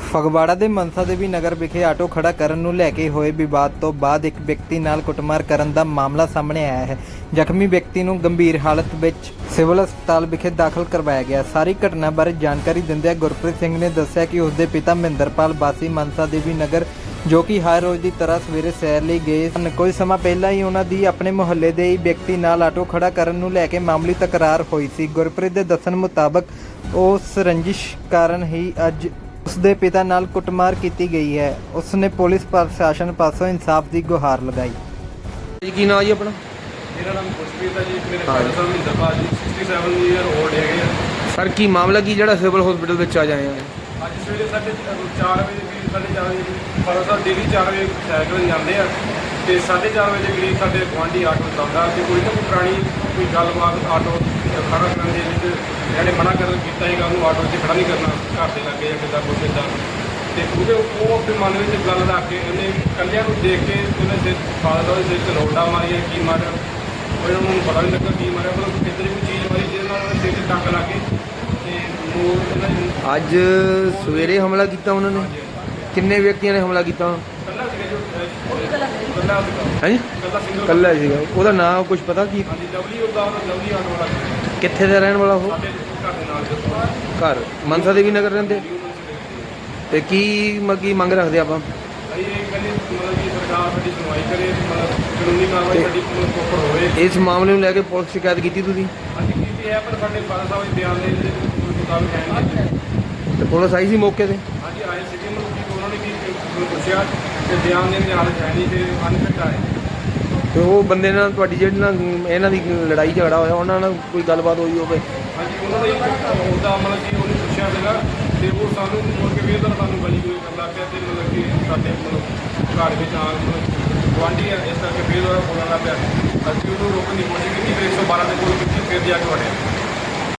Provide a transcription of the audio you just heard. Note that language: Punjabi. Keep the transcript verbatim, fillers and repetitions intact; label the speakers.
Speaker 1: ਫਗਵਾੜਾ ਦੇ ਮਨਸਾ ਦੇਵੀ ਨਗਰ ਵਿਖੇ ਆਟੋ ਖੜਾ ਕਰਨ ਨੂੰ ਲੈ ਕੇ ਹੋਏ ਵਿਵਾਦ ਤੋਂ ਬਾਅਦ ਇੱਕ ਵਿਅਕਤੀ ਨਾਲ ਕੁੱਟਮਾਰ ਕਰਨ ਦਾ ਮਾਮਲਾ ਸਾਹਮਣੇ ਆਇਆ ਹੈ। ਜ਼ਖਮੀ ਵਿਅਕਤੀ ਨੂੰ ਗੰਭੀਰ ਹਾਲਤ ਵਿੱਚ ਸਿਵਲ ਹਸਪਤਾਲ ਵਿਖੇ ਦਾਖਲ ਕਰਵਾਇਆ ਗਿਆ। ਸਾਰੀ ਘਟਨਾ ਬਾਰੇ ਜਾਣਕਾਰੀ ਦਿੰਦਿਆਂ ਗੁਰਪ੍ਰੀਤ ਸਿੰਘ ਨੇ ਦੱਸਿਆ ਕਿ ਉਸਦੇ ਪਿਤਾ ਮਹਿੰਦਰਪਾਲ ਵਾਸੀ ਮਨਸਾ ਦੇਵੀ ਨਗਰ ਜੋ ਕਿ ਹਰ ਰੋਜ਼ ਦੀ ਤਰ੍ਹਾਂ ਸਵੇਰੇ ਸੈਰ ਲਈ ਗਏ ਸਨ। ਕੁਝ ਸਮਾਂ ਪਹਿਲਾਂ ਹੀ ਉਹਨਾਂ ਦੀ ਆਪਣੇ ਮੁਹੱਲੇ ਦੇ ਹੀ ਵਿਅਕਤੀ ਨਾਲ ਆਟੋ ਖੜਾ ਕਰਨ ਨੂੰ ਲੈ ਕੇ ਮਾਮੂਲੀ ਤਕਰਾਰ ਹੋਈ ਸੀ। ਗੁਰਪ੍ਰੀਤ ਦੇ ਦੱਸਣ ਮੁਤਾਬਕ ਉਸ ਰੰਜਿਸ਼ ਕਾਰਨ ਹੀ ਅੱਜ ਉਸਦੇ ਪਿਤਾ ਨਾਲ ਕੁੱਟਮਾਰ ਕੀਤੀ ਗਈ ਹੈ। ਉਸਨੇ ਪੁਲਿਸ ਪ੍ਰਸ਼ਾਸਨ ਪਾਸੋਂ ਇਨਸਾਫ ਦੀ ਗੁਹਾਰ ਲਗਾਈ।
Speaker 2: ਜੀ ਕੀ ਨਾਮ ਜੀ ਆਪਣਾ?
Speaker 3: ਮੇਰਾ ਨਾਮ ਖੁਸ਼ਪ੍ਰੀਤ ਹੈ ਜੀ। ਮੇਰੇ ਫਾਦਰ ਸਾਹਿਬ ਮਹਿੰਦਰਪਾਲ ਜੀ ਸੜਸਠ ਈਅਰ ਓਲਡ ਹੈਗੇ ਆ।
Speaker 2: ਸਰ ਕੀ ਮਾਮਲਾ ਕੀ ਜਿਹੜਾ ਸਿਵਲ ਹਸਪੀਟਲ ਵਿੱਚ ਆ ਜਾਏ ਆ?
Speaker 3: ਅੱਜ ਸਵੇਰੇ ਸਾਢੇ ਚਾਰ ਵਜੇ ਕਰੀਬ ਸਾਢੇ ਚਾਰ ਵਜੇ ਫਾਦਰ ਸਾਹਿਬ ਡੇਲੀ ਚਾਰ ਵਜੇ ਸਾਈਕਲ ਜਾਂਦੇ ਆ ਅਤੇ ਸਾਢੇ ਚਾਰ ਵਜੇ ਕਰੀਬ ਸਾਡੇ ਗੁਆਂਢੀ ਆਟੋ ਚਲਾਉਂਦਾ ਅਤੇ ਕੋਈ ਨਾ ਕੋਈ ਪੁਰਾਣੀ ਕੋਈ ਗੱਲਬਾਤ ਆਟੋ ਖੜਾ ਕਰਨ ਦੇ ਵਿੱਚ ਇਹਨਾਂ ਨੇ ਮਨਾ ਕਰ ਕੀਤਾ ਸੀਗਾ ਉਹਨੂੰ ਆਟੋ 'ਚ ਖੜਾ ਨਹੀਂ ਕਰਨਾ ਘਰ ਦੇ ਲੱਗੇ ਜਾਂ ਕਿੱਦਾਂ ਕੁਛ ਇੱਦਾਂ। ਅਤੇ ਉਹਦੇ ਉਹ ਆਪਣੇ ਮਨ ਵਿੱਚ ਗੱਲ ਰੱਖ ਕੇ ਉਹਨੇ ਇਕੱਲਿਆਂ ਨੂੰ ਦੇਖ ਕੇ ਉਹਨੇ ਸਿਰ ਫਾਦਰ ਸਾਹਿਬ ਦੇ ਸਿਰ 'ਚ ਲੋਟਾ ਮਾਰੀਆ ਕੀ ਮਾਰਿਆ ਉਹਨਾਂ ਨੂੰ ਪਤਾ ਨਹੀਂ ਲੱਗਾ ਕੀ ਮਾਰਿਆ ਮਤਲਬ ਕਿੱਧਰ ਵੀ ਚੀਜ਼ ਮਾਰੀ ਜਿਹਦੇ ਨਾਲ ਉਹਨੇ ਸਿਰ 'ਚ ਟੱਕ ਲਾ ਕੇ ਅਤੇ ਉਹ ਉਹਨਾਂ ਨੇ
Speaker 2: ਅੱਜ ਸਵੇਰੇ ਹਮਲਾ ਕੀਤਾ ਉਹਨਾਂ ਨੇ? ਕਿੰਨੇ ਵਿਅਕਤੀਆਂ ਨੇ ਹਮਲਾ ਕੀਤਾ?
Speaker 3: ਇਕੱਲਾ ਸੀਗਾ ਜੋ ਇਕੱਲਾ ਸੀਗਾ
Speaker 2: ਹਾਂਜੀ
Speaker 3: ਇਕੱਲਾ ਸਿੰਗਲ
Speaker 2: ਇਕੱਲਾ ਸੀਗਾ। ਉਹਦਾ ਨਾਮ ਕੁਝ ਪਤਾ ਕੀ?
Speaker 3: ਹਾਂਜੀ ਲਵਲੀ ਉਹਦਾ ਉਹਦਾ ਲਵਲੀ ਆਟੋ ਵਾਲਾ ਸੀ।
Speaker 2: ਕਿੱਥੇ ਦਾ ਰਹਿਣ ਵਾਲਾ ਉਹ?
Speaker 3: ਸਾਡੇ ਘਰ ਦੇ ਨਾਲ ਜਦੋਂ
Speaker 2: ਘਰ ਮਨਸਾ ਦੇਵੀ ਨਗਰ ਰਹਿੰਦੇ। ਤੇ ਕੀ ਮ ਕੀ ਮੰਗ ਰੱਖਦੇ ਆਪਾਂ?
Speaker 3: ਅਸੀਂ ਇਹ ਕਹਿੰਦੇ ਮਤਲਬ ਕਿ ਸਰਕਾਰ ਸਾਡੀ ਸੁਣਵਾਈ ਕਰੇ ਮਤਲਬ ਕਾਨੂੰਨੀ ਕਾਰਵਾਈ ਸਾਡੀ ਪ੍ਰੋਪਰ ਹੋਵੇ।
Speaker 2: ਇਸ ਮਾਮਲੇ ਨੂੰ ਲੈ ਕੇ ਪੁਲਿਸ ਸ਼ਿਕਾਇਤ ਕੀਤੀ ਤੁਸੀਂ?
Speaker 3: ਅਸੀਂ ਕੀਤੀ ਹੈ ਪਰ ਸਾਡੇ ਫਾਦਰ ਸਾਹਿਬ ਦੇ ਬਿਆਨ ਦੇ ਮੁਤਾਬਕ ਹੈ ਨਹੀਂ।
Speaker 2: ਤੇ ਪੁਲਿਸ ਆਈ ਸੀ ਮੌਕੇ ਤੇ?
Speaker 3: ਹਾਂਜੀ ਆਏ ਸੀਗੇ ਮਤਲਬ ਕਿ ਉਹਨਾਂ ਨੇ ਕੀ ਪੁੱਛਿਆ ਕਿ ਬਿਆਨ ਦੇਣ ਦੀ ਹਾਲਤ ਹੈ ਨਹੀਂ ਫਿਰ ਅਨਫਿਟ ਆਏ।
Speaker 2: ਤੇ ਉਹ ਬੰਦੇ ਨਾਲ ਤੁਹਾਡੀ ਜਿਹੜੀ ਨਾਲ ਇਹਨਾਂ ਦੀ ਲੜਾਈ ਝਗੜਾ ਹੋਇਆ ਉਹਨਾਂ ਨਾਲ ਕੋਈ ਗੱਲਬਾਤ ਹੋਈ ਹੋਵੇ?
Speaker 3: ਹਾਂਜੀ ਉਹਨਾਂ ਨੇ ਉਹਦਾ ਮਤਲਬ ਕਿ ਉਹਨੂੰ ਪੁੱਛਿਆ ਸੀਗਾ ਅਤੇ ਉਹ ਸਾਨੂੰ ਮੁੜ ਕੇ ਫਿਰ ਸਾਨੂੰ ਗਲੀ ਗੋਲੀ ਕਰਨ ਲੱਗ ਪਿਆ ਅਤੇ ਮਤਲਬ ਕਿ ਸਾਡੇ ਮਤਲਬ ਘਰ ਵਿੱਚ ਆ ਮਤਲਬ ਗੁਆਂਢੀ ਆ ਇਸ ਕਰਕੇ ਫਿਰ ਉਹਦਾ ਬੋਲਣ ਲੱਗ ਪਿਆ। ਅਸੀਂ ਉਹਨੂੰ ਰੋਕਣ ਦੀ ਕੋਸ਼ਿਸ਼ ਕੀਤੀ ਫਿਰ ਇੱਕ ਸੌ ਬਾਰਾਂ ਦੇ ਕੋਲ ਕੀਤੀ ਫਿਰ ਜਾ ਕੇ ਵੜਿਆ।